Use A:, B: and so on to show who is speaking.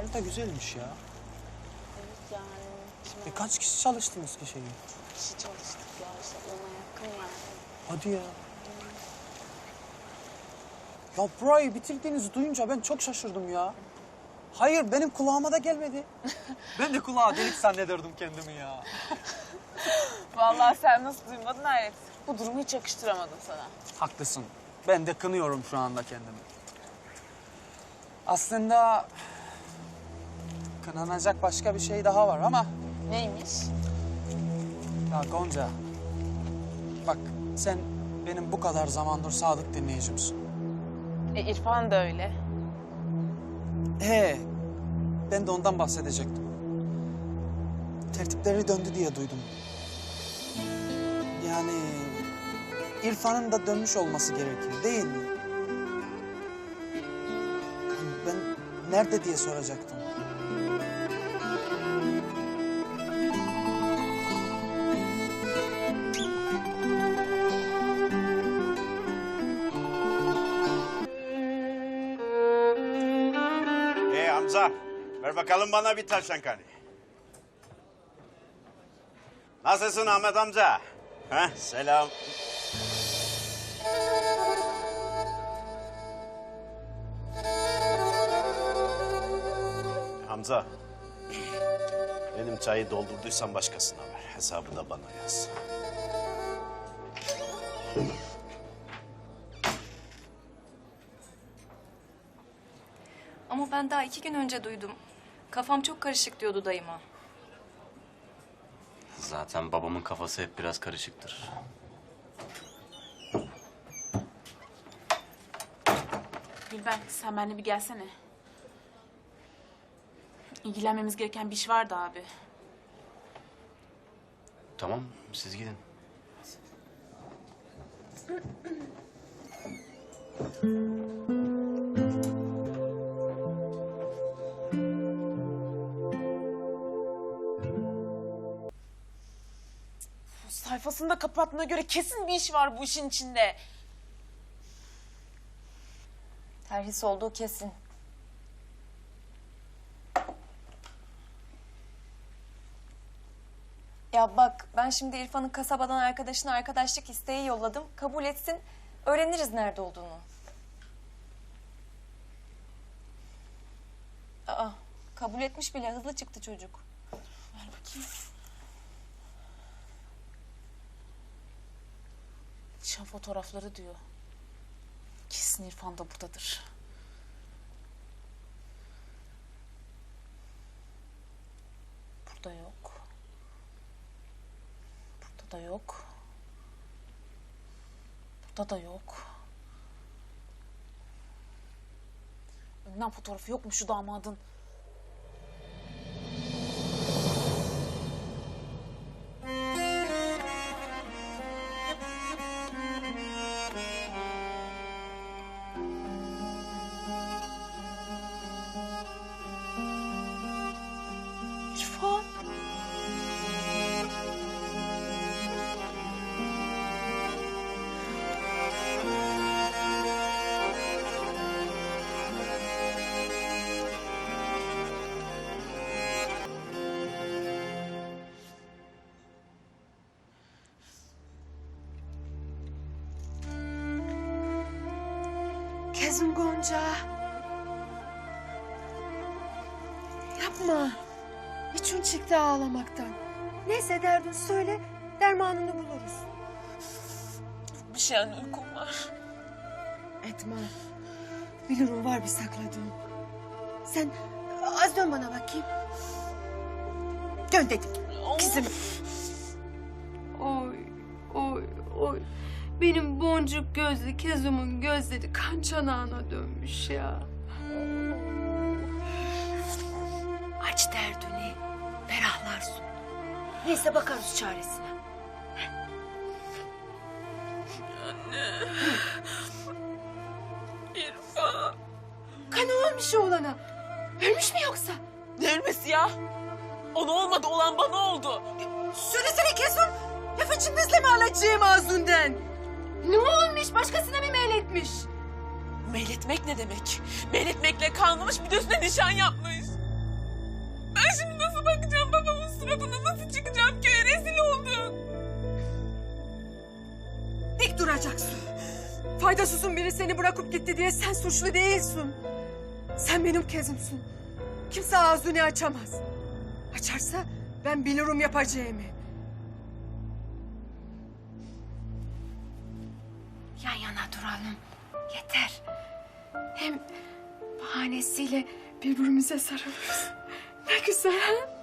A: harita güzelmiş ya.
B: Evet yani.
A: Kaç kişi çalıştınız ki şeyi?
B: Kişi çalıştık ya işte ona yakın yani.
A: Hadi ya. Ya burayı bitirdiğinizi duyunca ben çok şaşırdım ya. Hayır, benim kulağıma da gelmedi. Ben de kulağa delik zannederdim kendimi ya.
B: Vallahi sen nasıl duymadın hayret. Bu durumu hiç yakıştıramadım sana.
A: Haklısın. Ben de kınıyorum şu anda kendimi. Aslında kınanacak başka bir şey daha var ama...
B: Neymiş?
A: Ya Gonca, bak sen benim bu kadar zamandır sadık dinleyicimsin.
B: İrfan da öyle.
A: Ben de ondan bahsedecektim. Tertipleri döndü diye duydum. Yani İrfan'ın da dönmüş olması gerekiyor değil mi? Ben nerede diye soracaktım.
C: Hamza, ver bakalım bana bir tavşan kanı. Nasılsın Ahmet amca? Heh, selam. Hamza, benim çayı doldurduysan başkasına ver. Hesabı da bana yaz.
D: Ama ben daha 2 gün önce duydum. Kafam çok karışık diyordu dayıma.
E: Zaten babamın kafası hep biraz karışıktır.
F: Gülben, sen benimle bir gelsene. İlgilenmemiz gereken bir iş vardı abi.
E: Tamam, siz gidin.
F: Sayfasını da kapattığına göre kesin bir iş var bu işin içinde.
D: Terhis olduğu kesin. Ya bak, ben şimdi İrfan'ın kasabadan arkadaşına arkadaşlık isteği yolladım. Kabul etsin, öğreniriz nerede olduğunu. Aa, kabul etmiş bile, hızlı çıktı çocuk.
F: Ver bakayım. Nişan fotoğrafları diyor. Kesin İrfan da buradadır. Burada yok. Burada da yok. Burada da yok. Önden fotoğrafı yok mu şu damadın? İrfan.
G: Kızım Gonca. Yapma. İçin çıktı ağlamaktan. Neyse derdin söyle, dermanını buluruz.
F: Bir şey anne, uykum var.
G: Etme. Bilirim var bir sakladığın. Sen az dön bana bakayım. Dön dedim. Kızım.
H: Oy, oy, oy. Benim boncuk gözlü Kezum'un gözleri kan çanağına dönmüş ya.
G: Aç derdini, ferahlarsın. Neyse bakarız çaresine.
F: İrfan.
G: Kan olmuş oğlana. Ölmüş mü yoksa?
F: Ne ölmesi ya? Ona olmadı, olan bana oldu.
G: Söylesene Kezum. Lafı cımbızla mı alacağım ağzından? Ne olmuş? Başkasına mı meyletmiş?
F: Meyletmek ne demek? Meyletmekle kalmamış, bir de üstüne nişan yapmış.
B: Ben şimdi nasıl bakacağım babamın suratına? Nasıl çıkacağım köye? Rezil olduk.
G: Dik duracaksın. Faydasızın biri seni bırakıp gitti diye sen suçlu değilsin. Sen benim kezimsin. Kimse ağzını açamaz. Açarsa ben bilirim yapacağımı.
H: Yan yana duralım. Yeter. Hem bahanesiyle birbirimize sarılırız. Ne güzel ha?